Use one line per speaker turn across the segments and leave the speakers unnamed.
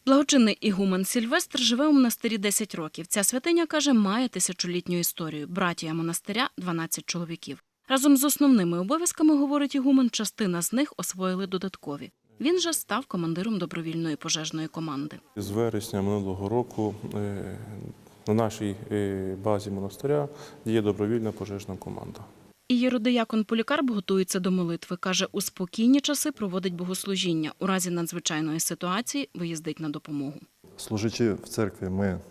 Благочинний ігумен Сильвестр живе у монастирі 10 років. Ця святиня, каже, має тисячолітню історію. Братія монастиря – 12 чоловіків. Разом з основними обов'язками, говорить ігумен, частина з них освоїли додаткові. Він же став командиром добровільної пожежної команди.
З вересня минулого року на нашій базі монастиря є добровільна пожежна команда.
Ієродиякон Полікарп готується до молитви. Каже, у спокійні часи проводить богослужіння. У разі надзвичайної ситуації виїздить на допомогу.
Служачи в церкві, ми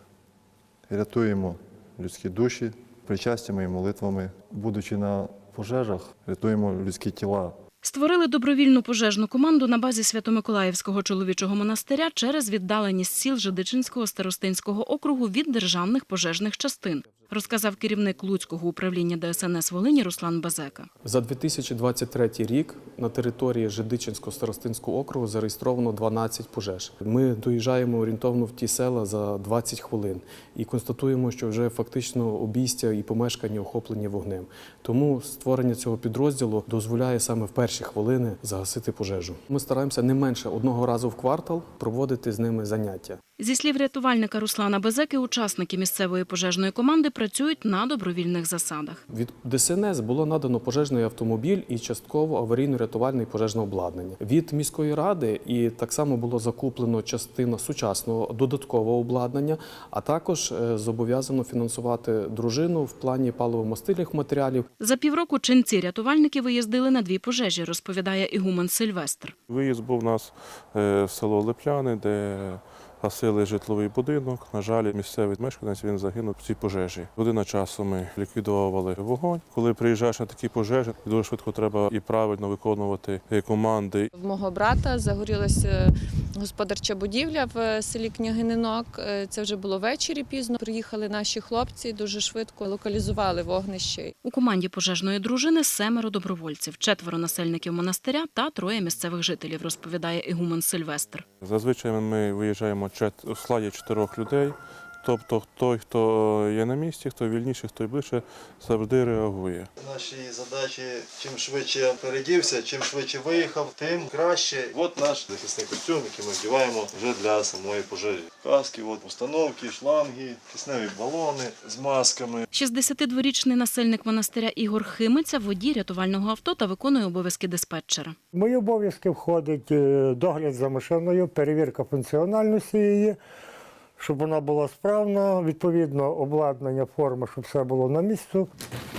рятуємо людські душі причастями і молитвами. Будучи на пожежах, рятуємо людські тіла.
Створили добровільну пожежну команду на базі Свято-Миколаївського чоловічого монастиря через віддаленість сіл Жидичинського старостинського округу від державних пожежних частин, розказав керівник Луцького управління ДСНС Волині Руслан Базека.
За 2023 рік на території Жидичинського старостинського округу зареєстровано 12 пожеж. Ми доїжджаємо орієнтовно в ті села за 20 хвилин і констатуємо, що вже фактично обійстя і помешкання охоплені вогнем. Тому створення цього підрозділу дозволяє саме в перші хвилини загасити пожежу. Ми стараємося не менше одного разу в квартал проводити з ними заняття.
Зі слів рятувальника Руслана Базеки, учасники місцевої пожежної команди працюють на добровільних засадах.
Від ДСНС було надано пожежний автомобіль і частково аварійно-рятувальне і пожежне обладнання. Від міської ради і так само було закуплено частина сучасного додаткового обладнання, а також зобов'язано фінансувати дружину в плані паливо-мастильних матеріалів.
За півроку ченці-рятувальники виїздили на 2 пожежі, розповідає ігумен Сильвестр.
Виїзд був у нас в село Липляни, де гасили житловий будинок. На жаль, місцевий мешканець він загинув в цій пожежі. Година часу ми ліквідовували вогонь. Коли приїжджаєш на такі пожежі, дуже швидко треба і правильно виконувати команди.
В мого брата загорілася господарча будівля в селі Княгининок. Це вже було ввечері пізно. Приїхали наші хлопці, дуже швидко локалізували вогнище.
У команді пожежної дружини 7 добровольців, 4 насельників монастиря та 3 місцевих жителів, розповідає ігумен Сильвестр.
Зазвичай ми виїжджаємо у складі 4 людей. Тобто той, хто є на місці, хто вільніший, хто ближче, завжди реагує.
Наші задачі, чим швидше передівся, чим швидше виїхав, тим краще. От наш захисний костюм, який ми вдіваємо вже для самої пожежі. Каски, установки, шланги, кисневі балони з масками.
62-річний насельник монастиря Ігор Химиця – водій рятувального авто та виконує обов'язки диспетчера.
В мої обов'язки входить догляд за машиною, перевірка функціональності її, щоб вона була справна, відповідно обладнання, форма, щоб все було на місці.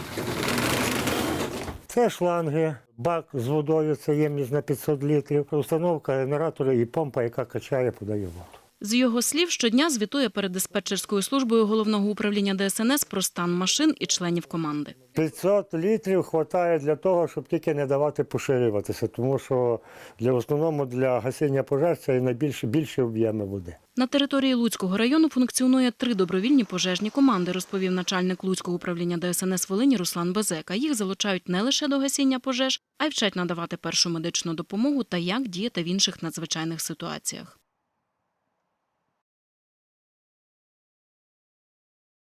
Це шланги, бак з водою, це ємність на 500 літрів, установка генератора і помпа, яка качає, подає воду.
З його слів, щодня звітує перед диспетчерською службою Головного управління ДСНС про стан машин і членів команди.
500 літрів вистачає для того, щоб тільки не давати поширюватися, тому що в основному для гасіння пожеж це найбільші об'єми води.
На території Луцького району функціонує 3 добровільні пожежні команди, розповів начальник Луцького управління ДСНС Волині Руслан Базека. Їх залучають не лише до гасіння пожеж, а й вчать надавати першу медичну допомогу та як діяти в інших надзвичайних ситуаціях.